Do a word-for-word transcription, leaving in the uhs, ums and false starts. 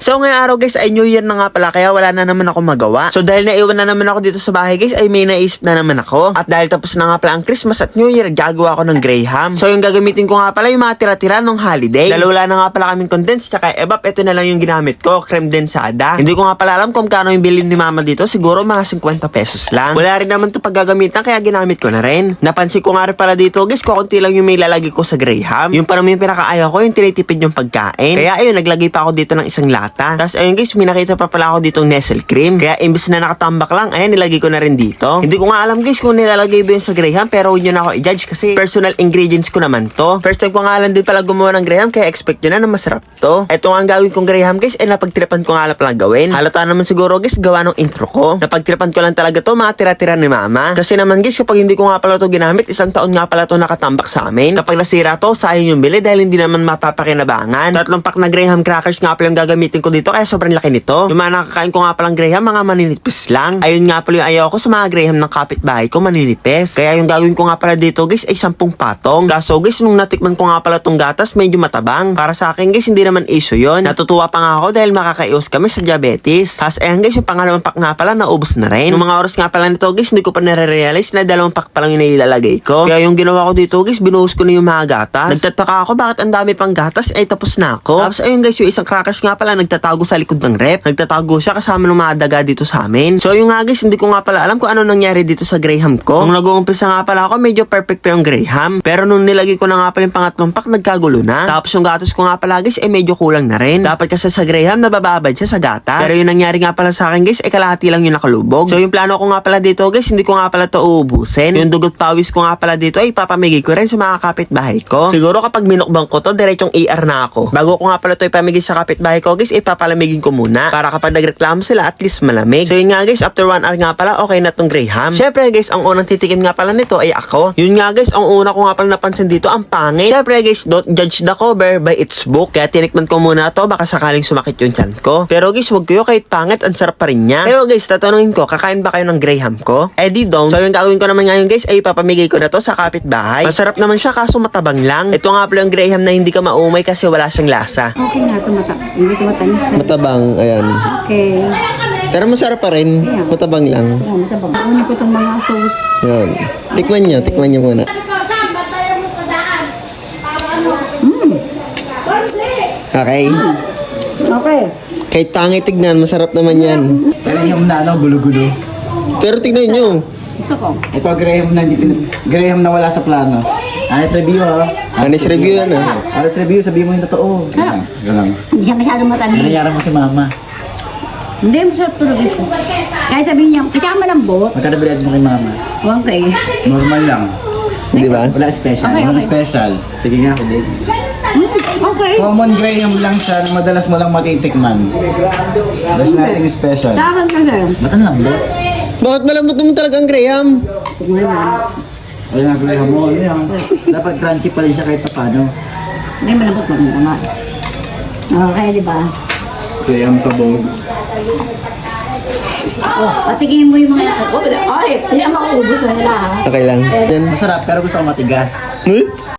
So ngayong araw guys ay New Year na nga pala kaya wala na naman ako magawa. So dahil naiwan na naman ako dito sa bahay guys ay may naisip na naman ako. At dahil tapos na nga pala ang Christmas at New Year, gagawa ako ng Graham. So yung gagamitin ko nga pala yung mga tira-tira ng holiday. Dahil wala na nga pala kaming condensed tsaka ebap, ito na lang yung ginamit ko, creme densada. Hindi ko nga pala alam kung kano yung bilhin ni mama dito, siguro mga fifty pesos lang. Wala rin naman to paggagamitan kaya ginamit ko na rin. Napansin ko nga rin pala dito guys, kukunti lang yung may lalagay ko sa Graham. Yung parang yung pinakaayaw ko, yung tinitipid yung pagkain. Kaya ayun, naglagay pa ako dito ng isang lata. Tapos ayun guys, may nakita pa pala ako ditong Nestle cream. Kaya imbes na nakatambak lang, ayan, nilagay ko na rin dito. Hindi ko nga alam guys kung nilalagay ba yun sa Graham, pero huwag nyo na ako i-judge kasi personal ingredients ko naman to. First time ko nga lang din pala gumawa ng Graham, kaya expect nyo na na masarap to. Ito nga ang gagawin kong Graham guys, ay napagtripan ko nga lang pala gawin. Halata naman siguro guys, gawa ng intro ko. Napagtripan ko lang talaga to, mga tira-tira ni mama. Kasi naman guys, kapag hindi ko nga pala to ginamit, isang taon nga pala to nakatambak sa amin. Kapag nasira to, sayang yung bili dahil hindi naman mapapakinabangan. Tatlong pack na Graham crackers nga pala yung gagamitin ko dito, kaya sobrang laki nito. Yung mga nakakain ko nga palang Graham, mga maninipis lang. Ayun nga pala yung ayaw ko sa mga Graham ng kapitbahay ko, maninipis. Kaya yung gagawin ko nga pala dito guys ay sampung patong. Kaso guys, nung natikman ko nga pala tong gatas, medyo matabang. Para sa akin guys, hindi naman issue yun. Natutuwa pa nga ako dahil makakaiwas kami sa diabetes. Tapos ayan guys, yung pangalawang pack nga pala, naubos na rin. Yung mga oras nga pala nito guys, hindi ko pa nare-realize na dalawang pack pa lang yung nailalagay ko. Kaya yung ginawa ko dito guys, binuhos ko na yung mga gatas. Nagtataka ako bakit ang dami pang gatas, ay tapos na ako. Tapos ayun guys, yung isang crackers nga pala, nagtatago sa likod ng rep. Nagtatago siya kasama ng mga daga dito sa amin. So yung nga guys, hindi ko nga pala alam kung ano nangyari dito sa Graham ko. Nung nag-uumpisa nga pala ako, medyo perfect pa yung Graham. Pero nung nilagay ko na nga pala yung pangatlong pack, nagkagulo na. Tapos yung gatas ko nga pala guys, ay medyo kulang na rin. Dapat kasi sa Graham, nabababad siya sa gatas. Pero yung nangyari nga pala sa akin guys, ay kalahati lang yung nakalubog. So yung plano ko nga pala dito guys, hindi ko nga pala to uubusin. Yung dugot pawis ko nga pala dito ay ipapamigay ko rin sa mga kapitbahay ko. Siguro kapag minukbang ko to, diretsong A R na ako. Bago ko nga pala to ipamigay sa kapitbahay ko guys, ipapalamigin ko muna. Para kapag nagreklamo sila, at least malamig. So yun nga guys, after one hour nga pala, okay na tong Graham. Syempre guys, ang unang titikim nga pala nito ay ako. Yun nga guys, ang una ko nga pala napansin dito, ang pangit. Syempre guys, don't judge the cover by its book. Kaya tinikman ko muna to, baka sakaling sumakit yung tiyan ko. Pero guys, wag kayo kahit pangit, ang sarap pa rin niya. Pero guys, tatanungin ko, kakain ba kayo ng Graham ko? Eh di don't. So yung gagawin ko naman ngayon guys, ay ipapamigay ko na to sa kapitbahay. Masarap naman siya kaso matabang lang. Ito nga pala yung Graham na hindi ka maumay kasi wala siyang lasa. Okay na, tumatak. Hindi tumatanis na. Matabang, ayan. Okay. Pero masarap pa rin, matabang lang. Ayan, matabang. Kunin ko itong mga sauce. Yan. Tikman niyo, tikman niyo muna. Mm. Okay. Okay. Kahit pangit tignan, masarap naman yan. Graham na ano, gulo-gulo. Pero tignan niyo. Gusto ko. Ito Graham na hindi pin- Graham na wala sa plano. Honest review ha. Honest review yan ah. Honest review, sabihin mo yung totoo. Ganun. Ganun. Hindi siya masyadong matamis. Nangyayari mo si mama. Hindi, masarap tulog ito. Kahit sabihin niya, kaya malambot. Magkano bilad mo kay mama? Okay. Normal lang. Di ba? Wala special. Okay, Walang okay. special. Sige nga, kulit. Mm, okay. Common Graham lang siya na madalas mo lang matitikman. There's nothing special. Sa akin kasi. Ba't ang lambot? Bakit malambot naman talaga ang Graham? Tignan mo. Wala nga Graham mo. Ano yan? Dapat crunchy pa rin siya kahit paano. Hindi, malambot mo mo nga. Okay, di ba? Graham sa bog. Oh, patigin mo yung mga... Oh, ay, hindi ang makaubos na nila ha. Okay lang. Yan. Masarap pero gusto ko matigas. Huh?